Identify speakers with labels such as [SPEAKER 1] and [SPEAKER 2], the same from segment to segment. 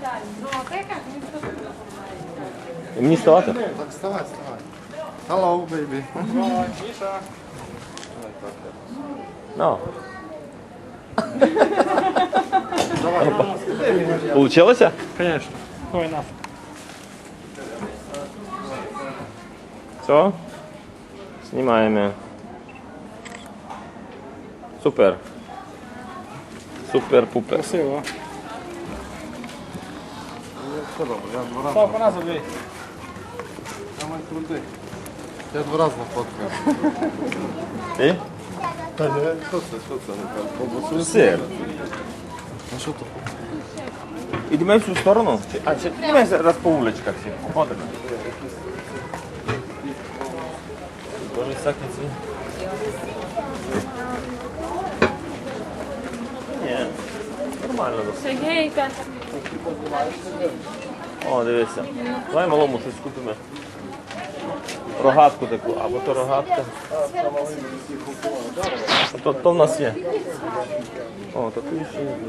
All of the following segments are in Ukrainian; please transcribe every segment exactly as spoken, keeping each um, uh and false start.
[SPEAKER 1] І мені ставати?
[SPEAKER 2] Так, вставай, вставай. Hello, baby.
[SPEAKER 3] Міша.
[SPEAKER 1] Ну. Получилося?
[SPEAKER 3] Конечно. Ой, нас.
[SPEAKER 1] Все? Знімаємо. Супер. Супер-пупер.
[SPEAKER 3] Красиво.
[SPEAKER 2] Все добре, я два рази.
[SPEAKER 3] Став по нас дві.
[SPEAKER 2] Я маю крутий. Я два рази нафоткаю.
[SPEAKER 1] І?
[SPEAKER 2] Та ні, що це, що це? Ковбасу?
[SPEAKER 1] Сир.
[SPEAKER 2] А що то?
[SPEAKER 1] Ідемо в цю сторону? Чи- А, чи ідемо зараз по вуличках всі. Ходимо. Тоже всякі ці. Ні, нормально досить.
[SPEAKER 4] Сергійка.
[SPEAKER 1] О, дивися. Давай малому щось купимо. Рогатку таку, або то рогатка. А то, то в нас є. О, то тут ще є.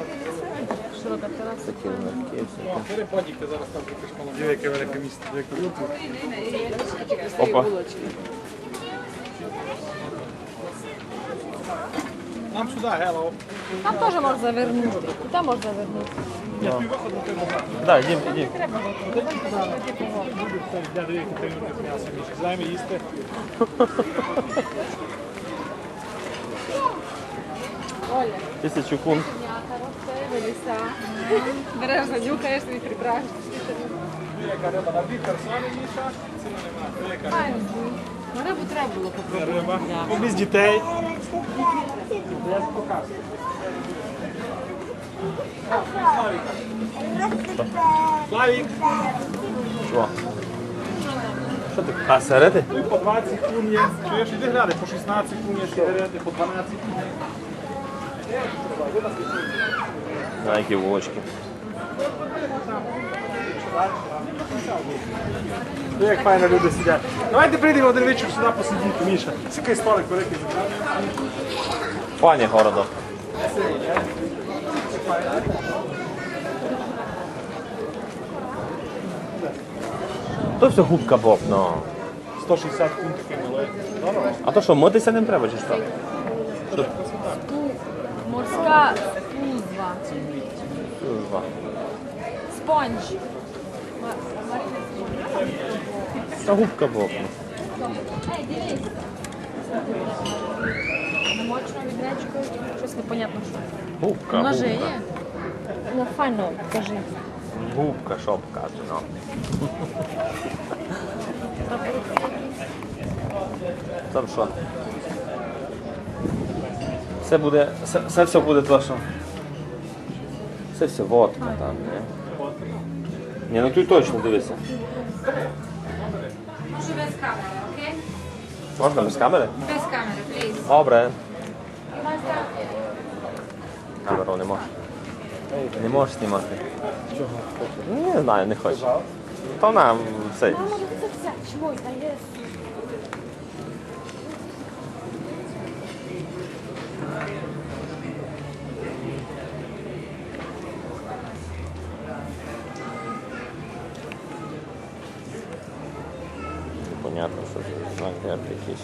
[SPEAKER 1] Такі легкі всякі.
[SPEAKER 3] Перепадіки зараз там припишкало. Є яке велике місце.
[SPEAKER 1] Опа.
[SPEAKER 3] Нам сюди, hello.
[SPEAKER 4] Там теж можна завернути. І там можна завернути.
[SPEAKER 3] Я твій виход на тебе.
[SPEAKER 1] Да, йдім, йдім.
[SPEAKER 3] Я даю контейнер з м'ясом. Міша, займи їсти.
[SPEAKER 1] Тисячу кун.
[SPEAKER 4] Береш, занюхаєш і прибираєш.
[SPEAKER 3] Яка риба на дві персони, Міша. Ціна немає. Яка
[SPEAKER 4] Ну, рибу треба було попробувати.
[SPEAKER 3] риба? Помість дітей. Я показую. Славік.
[SPEAKER 1] Що? Що ти? А, сигарети?
[SPEAKER 3] Ну і по двадцять кун є. Чуєш, іди гляди, по шістнадцять кун є сигарети, по дванадцять.
[SPEAKER 1] На які вулочки.
[SPEAKER 3] Ну як файно люди сидять. Давайте прийдемо один вечір сюди посидіти, Міша. Сікай столик великий.
[SPEAKER 1] Пані Городок. То все губка Боб, ну.
[SPEAKER 3] сто шістдесят кун такий малий. Здорово.
[SPEAKER 1] А то що, митися не треба чи що? Що?
[SPEAKER 4] Морська пузва.
[SPEAKER 1] Служба.
[SPEAKER 4] Спонж.
[SPEAKER 1] Та губка Боб.
[SPEAKER 4] Ей, дивись. Намочено відречкою, щось непонятно що.
[SPEAKER 1] Губка,
[SPEAKER 4] Ножи
[SPEAKER 1] губка.
[SPEAKER 4] є? Ну, файно, кажи.
[SPEAKER 1] Губка, що б каже, ну. Там що? Все буде, все, все, все буде то, що? Все, все, водка там, не? Ні, ну тут точно дивися.
[SPEAKER 4] Може без камери, окей?
[SPEAKER 1] Можна без камери?
[SPEAKER 4] Без камери, пліз.
[SPEAKER 1] Добре. Камеру не можеш. Не можеш знімати. Чого? Ну, не знаю, не хочу. То нам цей.
[SPEAKER 4] Мама, це все. Чого? Та є.
[SPEAKER 1] Понятно, що це знак герб якийсь.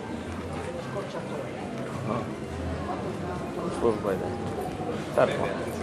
[SPEAKER 1] Ага. Служба йде. Тепло.